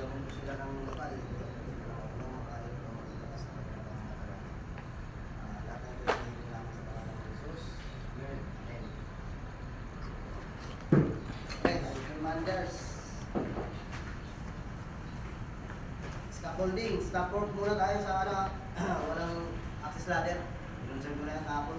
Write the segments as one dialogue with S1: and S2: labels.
S1: Gagawin ko sila ng lokal. Gagawin ko sila ng makakain ko. Maglakas na kanilang mga lahat ng pinagiging namin sa pangalan ng Jesus. Amen. Okay, commanders. Scaffolding. Scaffold muna tayo sa walang access ladder. Pinunsan ko na yung kapon.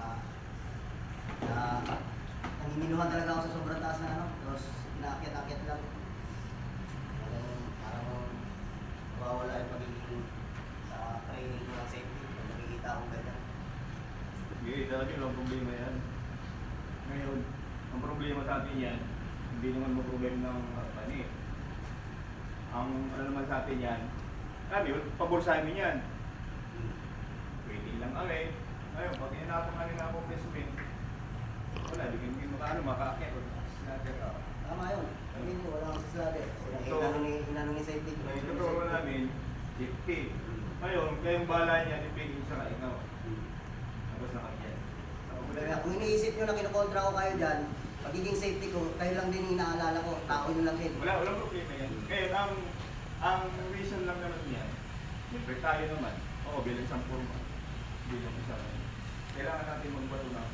S1: Nanginginuhan talaga ako sa sobrang taas na tapos inaakyat-akyat lang. Parang mawawala yung pagiging sa training ko ng safety pag nakikita akong ganyan.
S2: Sige, talaga yung problema yan. Ngayon, ang problema sa atin yan, hindi naman mo problema ng pani. Ang ano naman sa atin yan, pabor sa amin yan. Waiting lang kami. Ngayon, pag inapang na ako placement, wala, hindi mo makaakyat.
S1: Tama yun. Sabihin nyo, walang access ladder. Inano ni safety.
S2: Ngayon, totoo namin, safety. Ngayon, kayong bala niya, dipigil sa kainaw. Tapos nakakyat.
S1: Kung iniisip nyo na kinukontra ko kayo dyan, pagiging safety ko, kayo lang din inaalala ko, tao nyo lang din.
S2: Walang problema yan. Ngayon, ang reason lang naman niya, siyempre tayo naman, bilang isang forma, bilang isang, kailangan natin magbato ng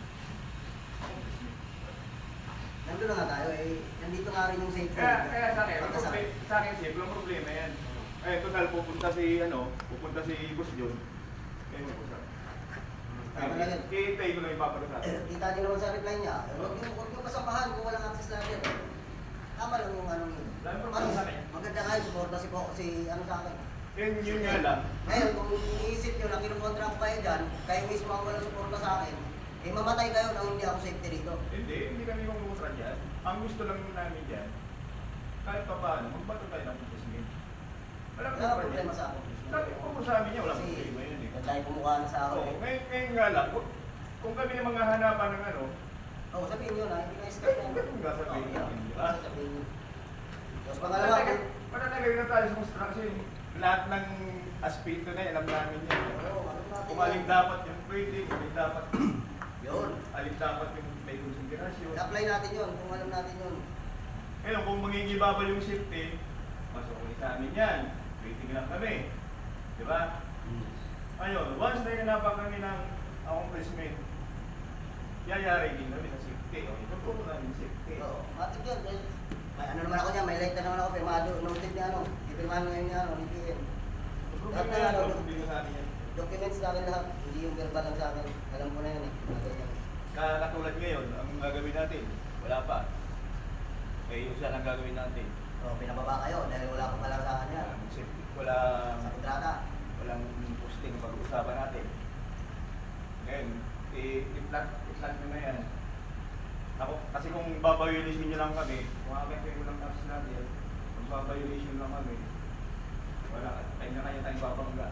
S1: nandun na nga tayo nandito nga rin yung safety.
S2: Kaya sa akin, simple ang problema yan. Total, pupunta si Boss John, kayo mag-usap. Hihintay ko lang ipapalo sa akin.
S1: Kita nyo naman sa reply niya, huwag nyo kasampahan kung walang access ladder. Tama lang yung yun. Maganda nga yung suporta sa akin.
S2: Yun nga lang.
S1: Ngayon, kung iniisip nyo na kinukontra ko kayo dyan, kayo mismo ang walang suporta sa akin, mamatay kayo nang hindi ako safety rito.
S2: Hindi kami mamutra dyan. Ang gusto lang namin dyan, kahit pa paano, magbato tayo ng putismin.
S1: Wala problema sa ako.
S2: Sabi ko sa amin niya, wala problema yun eh.
S1: Tayo pumukha na sa ako.
S2: Ngayon nga lang, kung kami ng mga hanapan ng
S1: sabihin nyo na, hindi na-start na.
S2: Ganun nga sabihin natin, di ba?
S1: Sabihin nyo. Tapos pangalawa,
S2: Matatagay na tayo sa construction. Lahat ng aspeto na alam namin yan. Kung alin dapat yung pwede, kung alin dapat
S1: yun.
S2: Alin dapat yung may konsiderasyon.
S1: I-apply natin yun, kung alam natin yun.
S2: Ngayon, kung mangingibabal yung safety, masukunin sa amin yan. Waiting lang kami. Di ba? Ngayon, once na hinapan kami ng accomplishment, yayari din kami sa safety. Ipagpuro namin safety.
S1: Oo, matik yun. May naman ako niya, may light na naman ako, pirmado, noted niya ipirmahan ngayon niya, ni PM. Lahat na
S2: sa amin yan.
S1: Documents sa akin lahat, hindi yung verbal lang sa akin. Alam ko na yun
S2: Katulad ngayon, ang gagawin natin, wala pa. Yung isa lang gagawin natin.
S1: Pinababa kayo dahil wala pa pala sa akin yan.
S2: Walang
S1: sa kontrata.
S2: Walang posting pag-uusapan natin. Ngayon, i-plan nyo na yan. Kasi kung babayulisyon nyo lang kami, kung akakay mo lang tapos natin, kung babayulisyon lang kami, wala, kanya-kanya tayong babangga.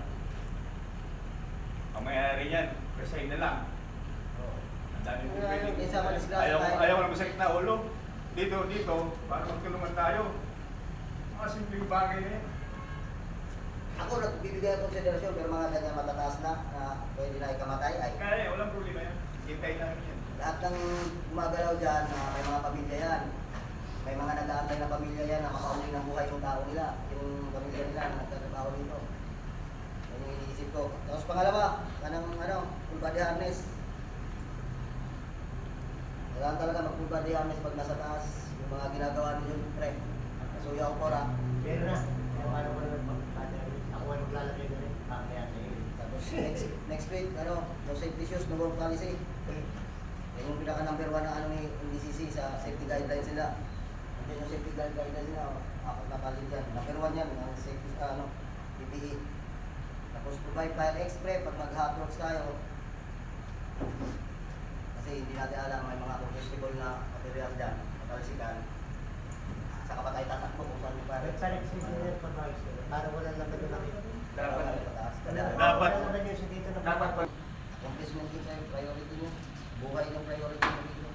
S2: Ang mayayari yan, resign na lang. Ang dami mo pwede. Ayaw lang masakit na ulo. Dito, para magtulungan tayo. Mga simpleng bagay na yan.
S1: Ako nagbibigay ng konsiderasyon pero mga ganyan matataas na pwede na ikamatay ay.
S2: Kaya walang problema yan. Hintay namin yan.
S1: Lahat ng gumagalaw dyan, may mga pamilya yan. May mga nag-aantay na pamilya yan na makauli ng buhay yung tao nila. Yung pamilya nila na nagtatrabaho dito. Yan yung iniisip ko. Tapos pangalawa, full body harness. Kailangan talaga mag-full body harness pag nasa taas. Yung mga ginagawa ninyo, pre. Nasuya ko pora.
S3: Meron na. Ako ay maglalagay na rin.
S1: Tapos next week, no safety shoes, no work policy. Yan yung pinaka number 1 na ni NDCC sa safety guidelines nila. Yan yung safety guidelines nila, apat na palit yan. Number 1 yan, ang safety, PPE. Tapos provide fire X-ray pag mag-hot works tayo. Kasi hindi natin alam, may mga combustible na material dyan, katalisikan. Saka pa tayo tatakbo kung saan yung fire.
S3: Sa next week nila pag-ayos nila. Para walang laban na nakita.
S2: Dapat
S1: accomplishment din tayo, priority nyo. Buhay ng priority nyo dito.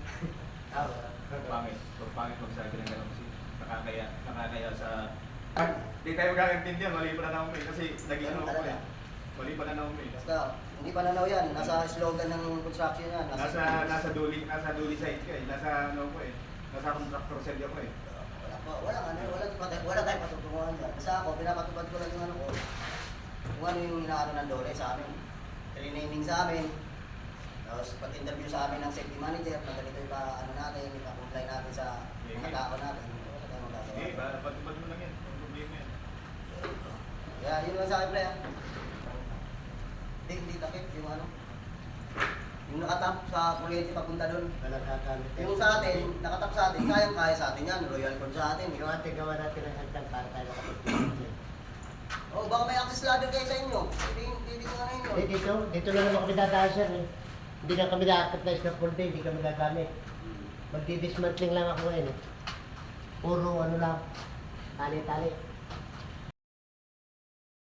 S2: Pangit magsabi ng gano'n kasi nakakaya sa... Hindi tayo magkakaintindihan, mali pa na naman kasi naging ano ko eh. Mali pa na naman eh.
S1: Basta, hindi pa nanaw yan. Nasa slogan ng construction yan.
S2: Nasa duli site ko eh. Nasa contractor side ako eh.
S1: Wala Wala tayong patutunguhan dyan. Basta ako, pinapatupad ko lang yung ano ko. Kung ano yung inaano ng Dole sa amin. Training sa amin. Tapos pag-interview sa amin ng safety manager, pag ganito yung ano natin, ipa-comply natin sa mga tao natin. Wala tayong magagawa.
S2: Sige, patupad mo lang yan. Ang problema yan.
S1: Kaya yun lang sa akin, pre. Hindi takip yung ano. Yung nakatap sa kuryente papunta doon.
S3: Wala kakamit.
S1: Yung sa atin, nakatap sa atin, kayang-kaya sa atin yan. Royal Code sa atin.
S3: Yung ating gawa natin ng hagdan para tayo makapagpipigil.
S1: Oh, baka may access ladder kayo sa inyo. Pwede ko na inyo.
S3: Dito lang naman kami dadaan sir eh. Hindi na kami nakakapnice na full day, hindi kami gagamit. Magdi-dismantling lang ako ngayon eh. Puro ano lang, tali-tali.